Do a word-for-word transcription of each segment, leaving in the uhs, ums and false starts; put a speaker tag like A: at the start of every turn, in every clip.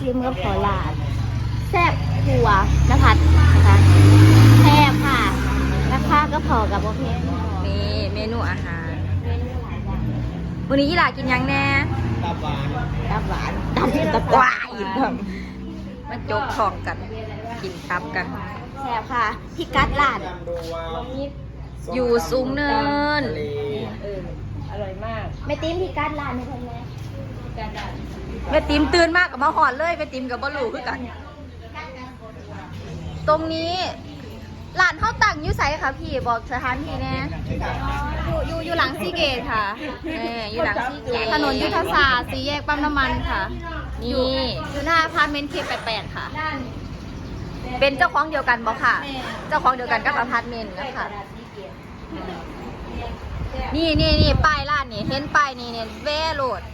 A: ซิมกับขอลาดแซ่บหัวนภัสนะคะแซ่บค่ะราคาก็พอกับโอเค
B: นี่เมนูอาหารวันนี้ยี่หลากินยังแน่
C: ตับหวาน
A: ตับหวานตับตับหวาน
B: มาจกของกันกินตับกัน
A: แซ่บค่ะพี่กัดร้าน
B: อยู่สูงเนิน
A: เอออร่อยมากแม่ติ้มพี่กัดร้านนี่เพิ่นแม่กัดร้าน
B: แม่ติ๋มตื่นมากกับมาหอนเลยแม่ติ๋มกับบลูคือกันตรงนี้ร้านข้าวตังยูไซค่ะพี่บอกสถานที่แน่อยู่อยู่อยู่หลังซีเกตค่ะนี่อยู่หลังซีเกตถนนยุทธศาสตร์สีแยกปั๊มน้ำมันค่ะนี่อยู่หน้าอพาร์ตเมนต์เคแปดแปดค่ะเป็นเจ้าของเดียวกันบอกค่ะเจ้าของเดียวกันกับอพาร์ตเมนต์นะคะนี่นี่นี่ป้ายร้านนี่เห็นป้ายนี่เนี่ยเวโรด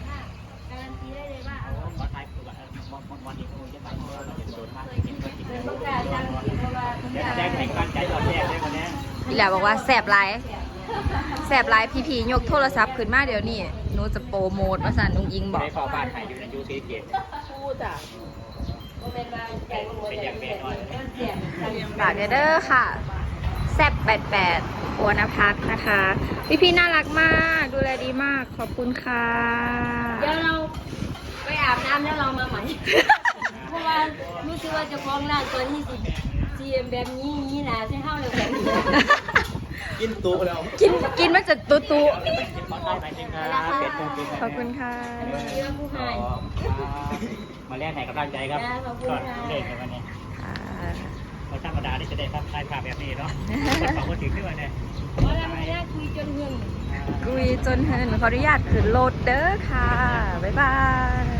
B: พี่แหละบอกว่าแสบไลฟ์แสบไลฟ์พี่พียกโทรศัพท์ขึ้นมาเดี๋ยวนี้หนูจะโปรโมทมาสั่นนุ้งอิงบอก
C: ขอบ้านถ่ายอยู่ในยูซีเกตพูดอ่ะเป็นอย่างเบ็ดน้อย
B: ฝากเด้อค่ะแซบแปดแปดโอนพักนะคะพี่พี่น่ารักมากดูแลดีมากขอบคุณค่ะ
A: เดี๋ยวเราไปอาบน้ำแล้วเรามาใหม่เพราะว่ารู้สึกว่าจะคล้องร่างตัวที่สิจีเอ็มแบบนี้นี้นะใช่เข้าเลยแบบนี้
C: กินตู้แล้ว
B: กินกินมันจะตุ๊ตุ๊ขอบคุณค่ะ
C: มาแลกไหนกำลังใจครับก็เล่นกันวันนี้เราธรรมดาที่จะได้ภาพถ่ายภาพแบบนี้เนาะขอบคุณถึงด้วยเนี่ย
A: คุยจนเงิน
B: คุยจนเงินขออนุญาตขึ้นโหลดเด้อค่ะบ๊ายบาย